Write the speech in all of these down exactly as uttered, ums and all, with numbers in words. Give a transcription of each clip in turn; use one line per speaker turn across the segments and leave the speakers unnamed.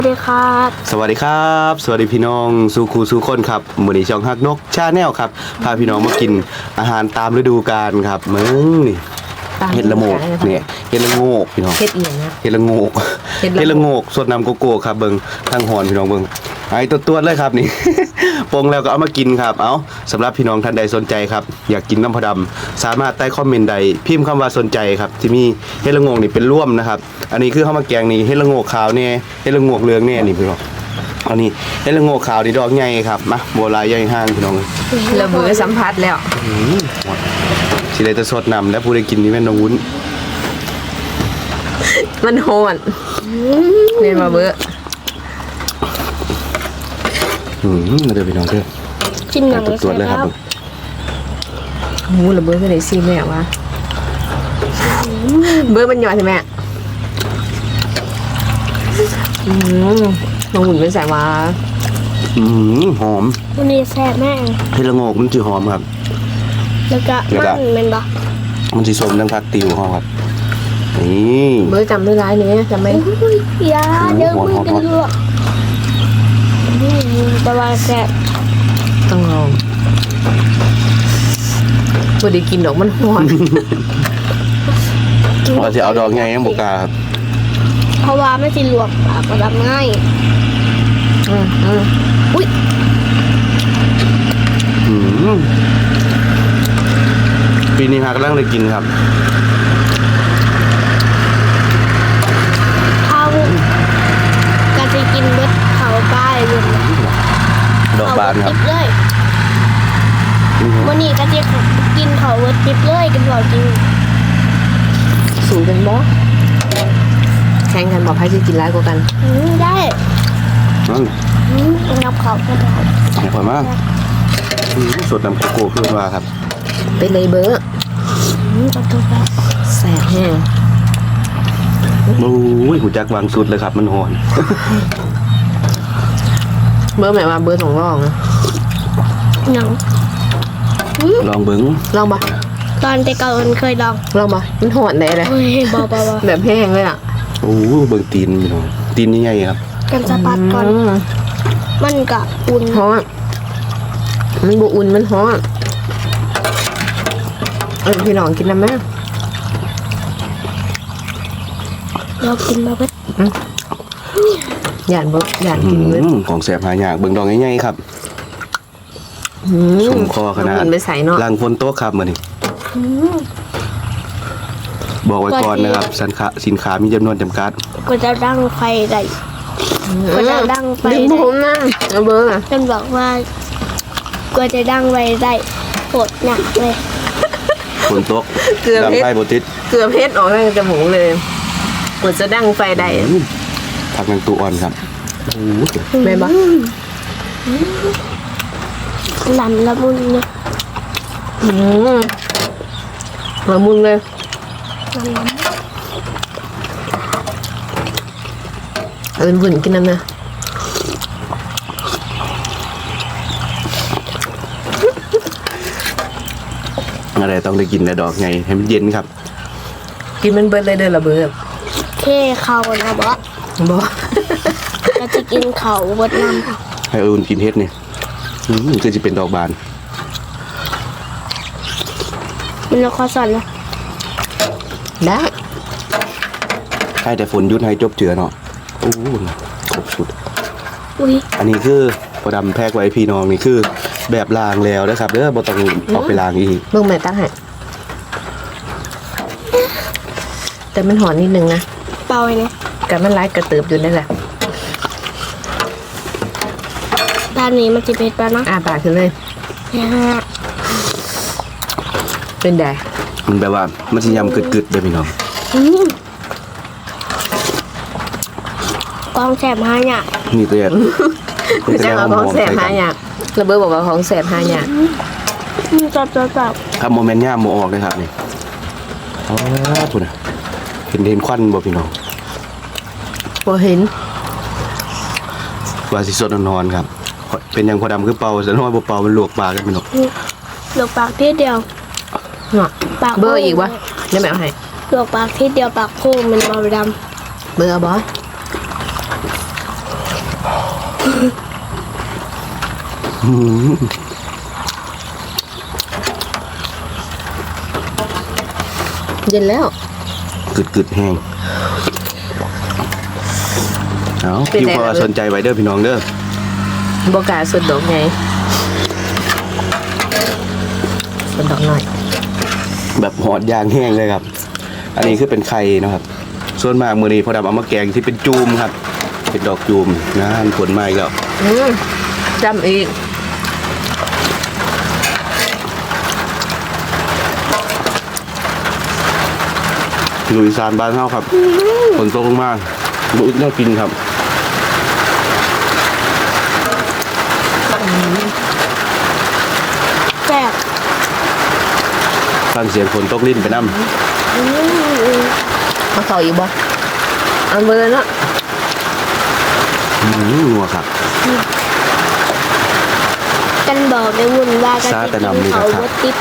สวัสดีครับ
สวัสดีครับสวัสดีพี่น้องสู่ครูสู่คนครับมื้อนี้ช่องฮักนกชาแนลครับพาพี่น้องมากินอาหารตามฤดูกาลครับมึงนี่เห็ดละโงกเนี่ยเห็ดละโงกพี่น้อง
เห็ดเอียงนะ
เห็ดละโงกเห็ดละโงกสดน้ำโกโก้ครับเบิ่งทางหอนพี่น้องเบิ่งไอ้ตัวๆเลยครับนี่ ปงแล้วก็เอามากินครับเอาสำหรับพี่น้องท่านใดสนใจครับอยากกินน้ำพอดำสามารถใต้คอมเมนต์ใดพิมพ์คำว่าสนใจครับที่มีเห็ดละโงกนี่เป็นร่วมนะครับอันนี้คือข้าวมาแกงนี่เห็ดละโงกขาวเนี่ยเห็ดละโงกเหลืองเนี่ยนี่พี่น้องอันนี้เห็ดละโงกขาวนี่ดอกใหญ่ครับมาโบราณใหญ่ห้างพี่น้อง
ระเบิดสัมผัสแล้ว
สิได้จะสดน้ำแล้วผู้ได้กินนี่แม่นวุ้น
มันโหดเรียนมาเบอร์
อืมมาเดี๋ยวพี่น้องเถอะ
กินหนัง
ตัวเลยครับ
หมูระเบิดก็เลยซีแม่วะเบอร์มันหยอดใช่ไหมอืมลงหุ่นเป็นสายว่า
อืมหอม
วันนี้แซ่บแม่
เห็ดละโงกมันจะหอมครับ
แล้วก็มันเป็นปะ
มันจะสมดังพักติวหอมครับนี่
เบอร์จำได้ร้ายนี้จำไม่
ยาเดี๋ยวมึงกันเยอะแต่ว่าแซ่บ
ต้องลองพอดีกินดอกมันหอน
ว่าจะเอาดอกไงยังบุกาครับ
เพราะว่าไม่สิลวกปากก็ทำง่าย
อืมอืม
อุ้ย
อืมปีนี้หากำลังได้กินครับ
เขาก็จะกินเบิดเขาป้ายเลย
ดอกบานครับ
เลยวันนี้ก็จะกินเขาเบิดติ๊บเลยกันบอกจริง
สูงกันบ่แข่งกันบอกให้จะกินร้ายกว่ากัน
ได้นับเขาก็ได้
อร่อยมากสดน้ำโกโก้ขึ้นมาครับ
ไปเลยเบอร์แสบแห้ง
โอ้ยหูจักวางสุดเลยครับมันหอน
เบอร์หมายว่าเบอร์สองรองนะ
ยัง
ลองเบิ้ง
ลองปะ
ตอนแต่ก่อนเคยลอง
ลองปะมันหอนได้เลย
บอบอบ
แบบแห้งเลยอ่ะ
โอ้เบิ้งตีนพี่น้องตีนนี่ใหญ่ครับ
กันสะพัดก่อนมันกะอุ่น
หอนมันบุอุ่นมันหอนเออพี่น้องกินน้ำไหม
เรากินมาเพื่อ
หยาดบ่หยาดกินเลย
ของแสบหายากเบิ่งดอกง่ายๆครับชุ่มคอขนาดลังฝนโต๊ะครับมาดิบอกไว้ก่อนนะครับสินค้าสินค้ามีจำนวนจำกัด
ก็จะดังไฟได้ก็จะดังไฟได้
ดึงผมนะเอาเบอร์อ่ะ
ฉันบอกว่าก็จะดังไฟได้ปวดหนักเลย
ฝนโต๊ะเกลือเพชร
เกลือเพชรออกทางจมูกเลยกว่าจะดังไฟได้
ผักนางตูอ่อนครับ
แม่บ้า
ลำละมุนเนี่ย
ละมุนเลยเอิญบุญกินน้ำนะ
อะไรต้องได้กินแต่ดอกไงให้มันเย็นครับ
กินมันเบิดเลยเด้อละเบิด
เท่เขานะบอส
บอส
ก็จะกินเขาเบิดน้ำ
ให้เอิญกินเฮ็ดเนี่ยก็จะเป็นดอกบาน
มันละครสอนนะ
ได้
ใช่แต่ฝนยุดให้จบเจือเนาะโอ้ครบสุด
อุ้ย
อันนี้คือพอดำแพกไว้พี่น้องนี่คือแบบล้างแล้วนะครับเด้อบ่ต้องออกไปล้างอีก
เบิ่งแม่ตั้งให้แต่มันหอนนิดนึงนะ
เปล่าไงเนี่ย
กันมันไล่กระเติบอยู่นั่นแหละ
ด้านนี้มันจะเป็นปลาเนาะ
อ่าปากขึ้นเลยเป็นแดง
มันแบบว่ามันจะยำกึดๆเลยพี่น้อง
กองแสบหาเนี่ย
นี่ตัวอย่าง
จะเอาของแสบหาเนี่ยระเบิดบอกว่าของแสบหาเนี่ย
จับจับจับ
ครับโมเมนต์ย่าโมออกเลยครับนี่อ๋อพูดนะเห็นเห็นควันบ่พี่น้อง
บ่เห็น
ว่าสิสดนอนครับเป็นยังพอดำคือเป่าแต่น้อยบ่เป่ามันลวกปากกันพี่น้อง
ลวกปากทีเดียว
ปากเบอร์อีกวะได้ไหมเอาให้
ลวกปากทีเดียวปากโค้งมันบอดำ
เบอร์บอส
อืม
เย็นแล้ว
กึดกึดๆแห้งเอาพี่พอสนใจไว้เด้อพี่น้องเด้อ
โบกล้าสุดดอกไงสุดดอกหน่อย
แบบหอดยางแห้งเลยครับ อันนี้คือเป็นไข่นะครับ ส่วนมากมือนี้พอดำเอามาแกงที่เป็นจูมครับ เป็นดอกจูมนะผลไม้แล้ว
อืมจำอีก
ลุยซานบ้านเฮาครับฝนตกลงมาบุอึดน่ากินครับ
แซ่บ
ฟังเสียงฝนตกลิ้นไปน้
อืม
มาต่ออีกบ่เอาเบอร์เนาะ
ำอืมนัวครับ
กันบอกได้วุ่นว่ากัน
ซาแต่นำนี่
เขา
นะครับ
รถติด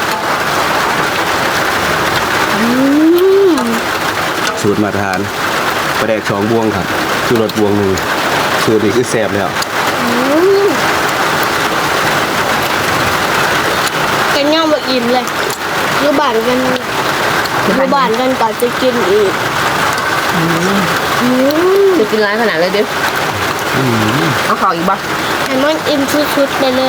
อืม
สูตรมาตรฐานปลาแดกสองบวงครับสูตรรสบวงหนึ่งสูตรนี้คือแซ่บแล้ว
อืมกันย่อมมาอิ่มเลยอยูบ้านกันอยูบ้านกันก่อนจะกินอีกอืม
จะกินร้ายขนาดเลยดิเอาขออีกบ่
ให้มันอิ่มชุดๆไปเลย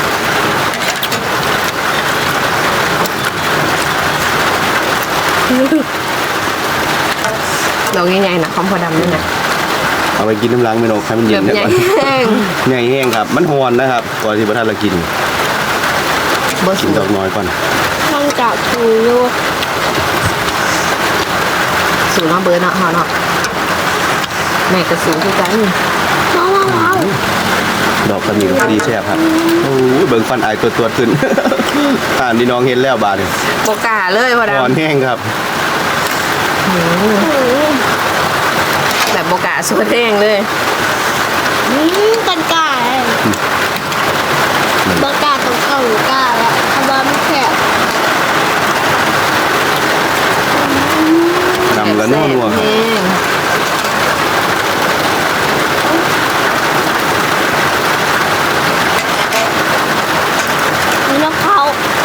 ดอกใหญ่ๆนะคอมพอดำนี่นะ
เอาไปกินน้ำล้างไม่นกให้มัน
แบ
เย็น
บ
ได้
ใหญ่
ก่อน
แห้ง
ใหญ่แห้งครับ มันหอนนะครับก่อนที่พระท่านเรากิน
เบอร์
กิ
สู
น
ง
ดอกน้อยก่อน
ข้างจากถูอยู่
สูงเนาะเบอร์เนาะเฮาเนาะแม่ก็สูงคือกัน
ว้าวว้าว
ดอกกระหมี่พอดีแซ่บครับโอ้ยเบิ่งฟันอายตัวตัวขึ้น อ่านที่น้องเห็นแล้วบาดนี่
โบกล้าเลยพอ
หอน
ดำ
แห้งครับ
แบบโบกล้าสุดแห้งเลย
อืมกันกล้าเลยบกล้าต้องเข้าหรือกล้าแล้วเพราะว่ามันแคบ
นำแล้วนัวนัวๆครับ
แห้ง
มีนกเขา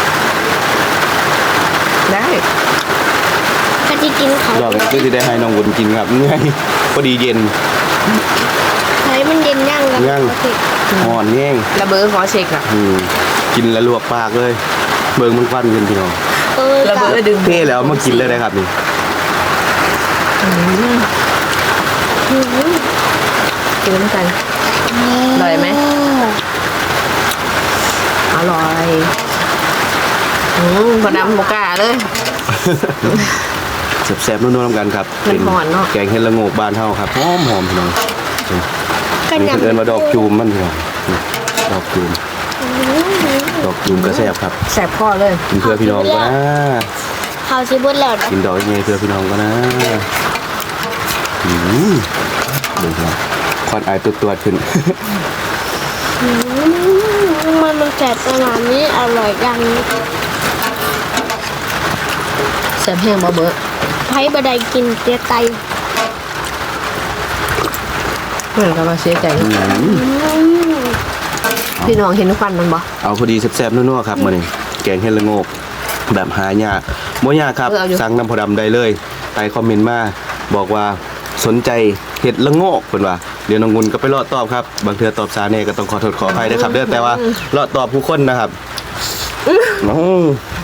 ได้
ก็จะกินเขา
ดอกนี้ก็จะได้ให้น้องบุญกินครับเงื่อยพอดีเย็น
ใช้มันเย็นย่างกัน
ย่าง
โอเค
หอนแห้ง
ระเบอร์ขอเช็คอะ
อืมกินแล้วลวกปากเลย เบิ่งมันฟันขึ้นพี่น้อง
เออ
ระเบอร์ดึง
เท่แล้วมากินเลยนะครับนี่
กินน้ำกัน อร่อยไหม อร่อยอืมพอดำโบกล้าเลย
แซ่บๆนัวๆน้ำกันครับ
มันหอนเนาะ
แกงเห็ดละโงกบ้านเฮาครับหอมหอมๆพี่น้อง
กัน
มี
ย
คนเอิ้นว่าดอกจูมมันพี่น้องนี่ดอกจูมดอกจูมก็แซ่บครับ
แสบคอเลย
กินเพื่อพี่น้องก็นะ
เขาชิบุดแล้วนะ
กินดอกยังไงเพื่อพี่น้องก็นะอืมเดี๋ยวครับควันอายตัวตัวๆขึ้น
อืมมันมันแสบขนาดนี้อร่อยจัง
แสบแห้งบ่เบอร์
ไผ่บดได้กินเตียไต
เหมือนกับว่าเสียใจ
อืม
อืม
พี่น้องเห็นควันมันบ่
เอาพอดีแซ่บๆนัวๆครับมื้อนี้แกงเห็ดละโงกแบบหายากบ่ยากครับสั่งน้ำพอดำได้เลยใต้คอมเมนต์มาบอกว่าสนใจเห็ดละโงกเพิ่นว่าเดี๋ยวน้องงุนก็ไปเลาะตอบครับบางเทื่อตอบช้าแน่ก็ต้องขอโทษขออภัยด้วยครับเด้อแต่ว่าเลาะตอบผู้คนนะครับน้อง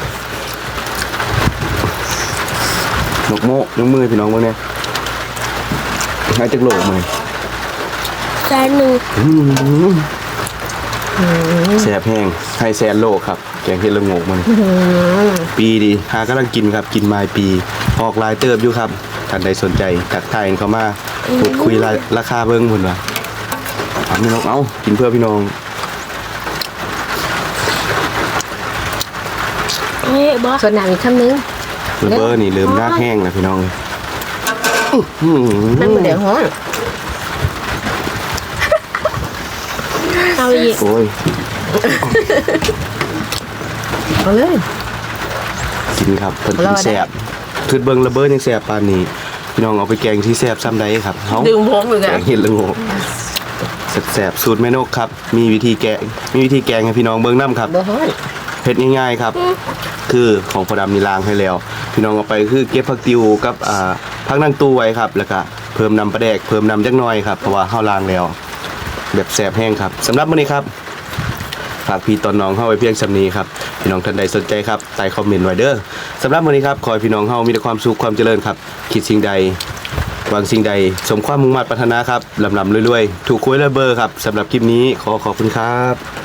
นกโมกยกมือพี่น้องเบิ่งเนี่ยให้จักโลกมื้อ
จานหนึ่ง
แซ่บแห้งให้แซนโลกครับแกงเห็ดละโงกมันปีดีหากำลังกินครับกินมาปีออกลายเติบอยู่ครับท่านใดสนใจทักทายเข้ามาพูดคุยราราคาเบิ่งพุ่นว่าเอาพี่น้องเอากินเพื่อพี่น้อง
เฮ้ยบอส
ส่วนน้ำอีกคำนึง
ระเบอร์นี่เริ่มหน้าแห้งแล้วพี่น้องอื้อหือ
นั่นมันเดี๋ยวฮ้อน
เอาอีก
โอ้ย
เอาเลย
กินครับเพิ่น
ร
กิ
อน ได้
แซ่บคือเบิ่งระเบิดยังแซ่บปานนี้พี่น้องเอาไปแกงที่แซ่บซ้ำใดครับเฮา
ดึงผมอยู่
แก
กัน
งเห็ดละโงกแซ่บๆสูตรแม่นกครับมีวิธีแกงมีวิธีแกงให้พี่น้องเบิ่งนํครับ
บ่ฮ้อน
เฮ็ดง่ายๆครับ คือของพอดำนี่ล้างให้แล้ว พี่น้องเอาไปคือเก็บผักติวกับอ่าผักนางตู้ไว้ครับ แล้วก็เพิ่มน้ำปลาแดกเพิ่มน้ำจักหน่อยครับเพราะว่าเฮาล้างแล้ว แบบแซ่บแห้งครับสำหรับมื้อนี้ครับฝากพี่ตอนน้องเฮาไว้เพียงสำนี้ครับพี่น้องท่านใดสนใจครับใต้คอมเมนต์ไว้เด้อสำหรับมื้อนี้ครับขอให้พี่น้องเฮามีแต่ความสุขความเจริญครับคิดสิ่งใดหวังสิ่งใดสมความมุ่งมั่นปรารถนาครับลำๆรวยๆถูกหวยและเบอร์ครับสำหรับคลิปนี้ขอขอบคุณครับ